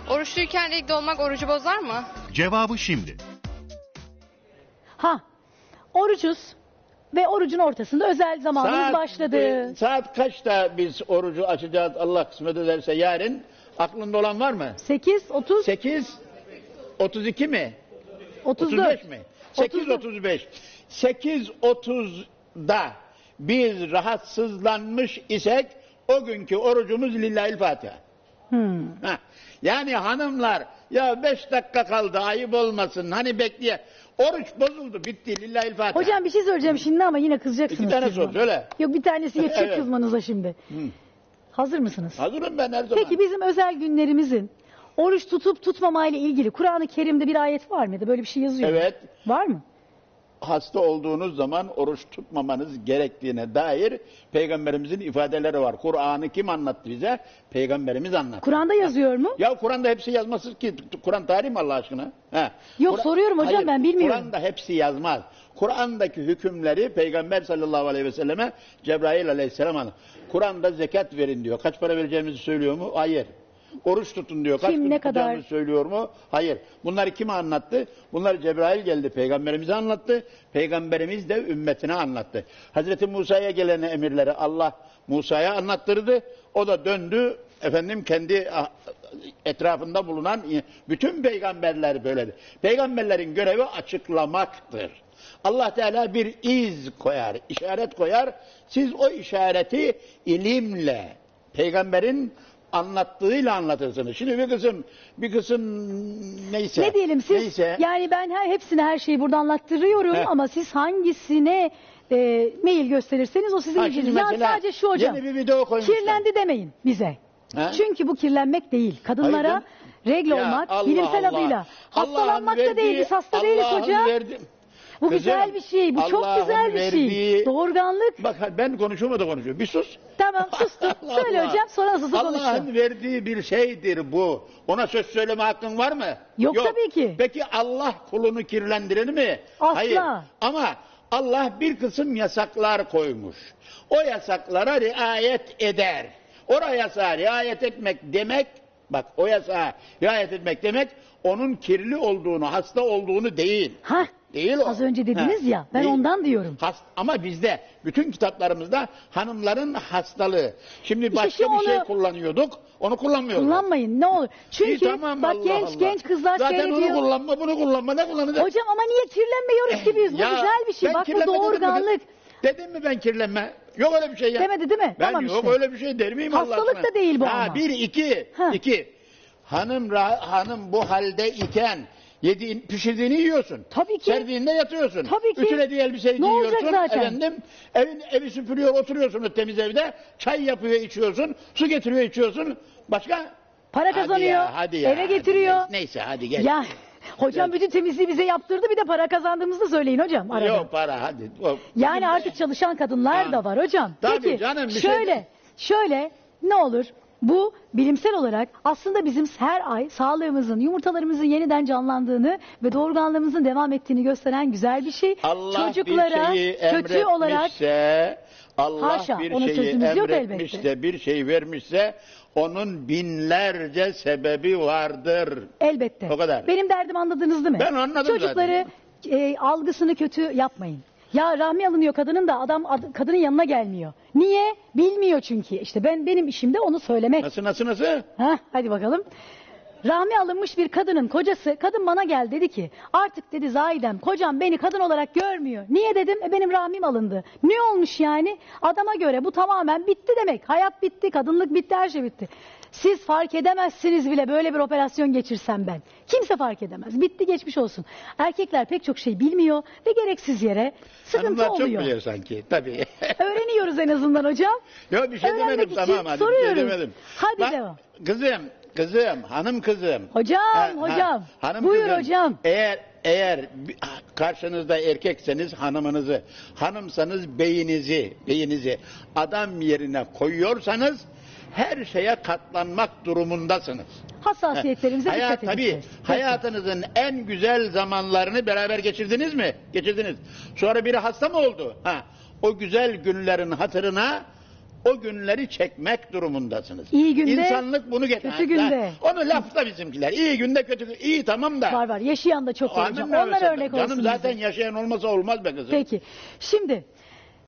Oruçluyken renkli olmak orucu bozar mı? Cevabı şimdi. Orucuz ve orucun ortasında özel zamanımız başladı. Saat kaçta biz orucu açacağız Allah kısmet ederse yarın? Aklında olan var mı? 8:30 8, 32 mi? 34 35 mi? 8.35. 8.30'da biz rahatsızlanmış isek o günkü orucumuz Lillahilfatiha. Yani hanımlar ya 5 dakika kaldı ayıp olmasın hani bekleye. Oruç bozuldu bitti Lillahilfatiha. Hocam bir şey söyleyeceğim şimdi ama yine kızacaksınız. 2 tane siz sor bana. söyle. Yok bir tanesi yetecek Evet. kızmanıza şimdi. Hazır mısınız? Hazırım ben her zaman. Peki bizim özel günlerimizin oruç tutup tutmamayla ilgili Kur'an-ı Kerim'de bir ayet var mıydı? Böyle bir şey yazıyor mu? Evet. Var mı? Hasta olduğunuz zaman oruç tutmamanız gerektiğine dair Peygamberimizin ifadeleri var. Kur'an'ı kim anlattı bize? Peygamberimiz anlattı. Kur'an'da yazıyor mu? Ya Kur'an'da hepsi yazmasın ki. Kur'an tarih mi Allah aşkına? He. Yok, soruyorum hocam, Hayır, ben bilmiyorum. Kur'an'da hepsi yazmaz. Kur'an'daki hükümleri Peygamber sallallahu aleyhi ve selleme Cebrail aleyhisselam anlattı. Kur'an'da zekat verin diyor. Kaç para vereceğimizi söylüyor mu? Hayır. Oruç tutun diyor. Kaç Kim, gün ne tutacağımızı kadar? söylüyor mu? Hayır. Bunları kime anlattı? Bunları Cebrail geldi. Peygamberimize anlattı. Peygamberimiz de ümmetine anlattı. Hazreti Musa'ya gelen emirleri Allah Musa'ya anlattırdı. O da döndü. Efendim kendi etrafında bulunan bütün peygamberler böyledir. Peygamberlerin görevi açıklamaktır. Allah Teala bir iz koyar, işaret koyar. Siz o işareti ilimle, peygamberin anlattığıyla anlatırsınız. Şimdi bir kısım neyse. Ne diyelim siz? Neyse. Yani ben hepsine her şeyi burada anlattırıyorum ama siz hangisine mail gösterirseniz o sizin ilginiz. Ya mesela sadece şu hocam. yeni bir video koymuşlar. Kirlendi demeyin bize. He? Çünkü bu kirlenmek değil. Kadınlara Hayır, regl Ya olmak Allah bilimsel Allah. adıyla. Allah'ın Hastalanmak da verdiği- değil. Biz hasta değiliz Allah'ın hocam. verdiği- Bu Kızım, güzel bir şey. Bu çok Allah'ın güzel bir şey. verdiği- Doğurganlık. Bak ben konuşuyorum o da konuşuyor. Bir sus. Tamam sustum. Allah Söyle Allah. hocam sonra nasılsa Allah'ın konuşalım. verdiği bir şeydir bu. Ona söz söyleme hakkın var mı? Yok tabii ki. Peki Allah kulunu kirlendirir mi? Asla. Hayır. Ama Allah bir kısım yasaklar koymuş. O yasaklara riayet eder. O yasağa riayet etmek demek, bak o yasağa riayet etmek demek onun kirli olduğunu, hasta olduğunu değil. Hah. Değil o. Az önce dediniz ya, ben ondan diyorum. Ama bizde bütün kitaplarımızda hanımların hastalığı. Şimdi İşte başka şu bir şey onu- kullanıyorduk. Onu kullanmıyoruz. Kullanmayın ne olur. Çünkü İyi, tamam, bak Allah Allah. genç kızlar Zaten seyrediyor. onu kullanma, bunu kullanma, ne kullanacak? Hocam ama niye kirlenmiyoruz ki biz? Bu Ya, güzel bir şey. ben Bak bu kirlenme dedim mi? doğurganlık. Dedim mi ben kirlenme? Yok öyle bir şey ya. Demedi değil mi? Ben Tamam yok işte. öyle bir şey der miyim Allah Hastalık aşkına? da değil bu ama. Bir, iki. Ha. İki. Hanım bu halde iken pişirdiğini yiyorsun. Tabii ki. Serdiğinde yatıyorsun. Tabii ki. Ütülediği elbiseyi Ne olacak giyiyorsun. zaten? Efendim, evi süpürüyor, oturuyorsun o temiz evde. Çay yapıyor, içiyorsun. Su getiriyor, içiyorsun. Başka? Para kazanıyor. Hadi ya. Eve getiriyor. Neyse hadi gel. Ya hocam Gel. bütün temizliği bize yaptırdı, bir de para kazandığımızı da söyleyin hocam arada. Yok para hadi. Yani artık çalışan kadınlar Ha. da var hocam. Tabii Peki canım, bir şey şöyle ne olur? Bu bilimsel olarak aslında bizim her ay sağlığımızın, yumurtalarımızın yeniden canlandığını ve doğurganlığımızın devam ettiğini gösteren güzel bir şey. Allah Çocuklara bir şeyi kötü olarak emretmişse, Allah Haşa, bir ona şeyi sözümüz yok emretmiş elbette. de bir şey vermişse onun binlerce sebebi vardır. elbette. O kadar. Benim derdimi anladınız değil mi? Ben anladım Çocukları algısını kötü yapmayın. Ya rahmi alınıyor kadının da kadının yanına gelmiyor. Niye? Bilmiyor çünkü. İşte benim işim de onu söylemek. Nasıl? Heh, hadi bakalım. Rahmi alınmış bir kadının kocası, kadın bana geldi dedi ki artık dedi Zahidem kocam beni kadın olarak görmüyor. Niye dedim? Benim rahmim alındı. Ne olmuş yani? Adama göre bu tamamen bitti demek. Hayat bitti, kadınlık bitti, her şey bitti. Siz fark edemezsiniz bile böyle bir operasyon geçirsem ben. Kimse fark edemez. Bitti geçmiş olsun. Erkekler pek çok şey bilmiyor ve gereksiz yere sıkıntı Hanımlar çok oluyor. biliyor sanki. Tabii. Öğreniyoruz en azından hocam. Yok bir şey Öğrenmek demedim için tamam hadi bir şey soruyoruz. demedim. Hadi Bak, devam. hanım kızım. Hocam. Hanım Buyur kızım, hocam. Eğer karşınızda erkekseniz hanımınızı, hanımsanız beyinizi adam yerine koyuyorsanız her şeye katlanmak durumundasınız. Hassasiyetlerimize dikkat Tabii edeceğiz. hayatınızın en güzel zamanlarını beraber geçirdiniz mi? Geçirdiniz. Sonra biri hasta mı oldu? O güzel günlerin hatırına o günleri çekmek durumundasınız. İyi günde, İnsanlık bunu getirir. kötü günde. Onu lafta bizimkiler. İyi günde kötü günde. İyi tamam da. Var yaşayan da çok var hocam. Canım Onlar örnek olsun Canım zaten bize. yaşayan olmasa olmaz be kızım. Peki. Şimdi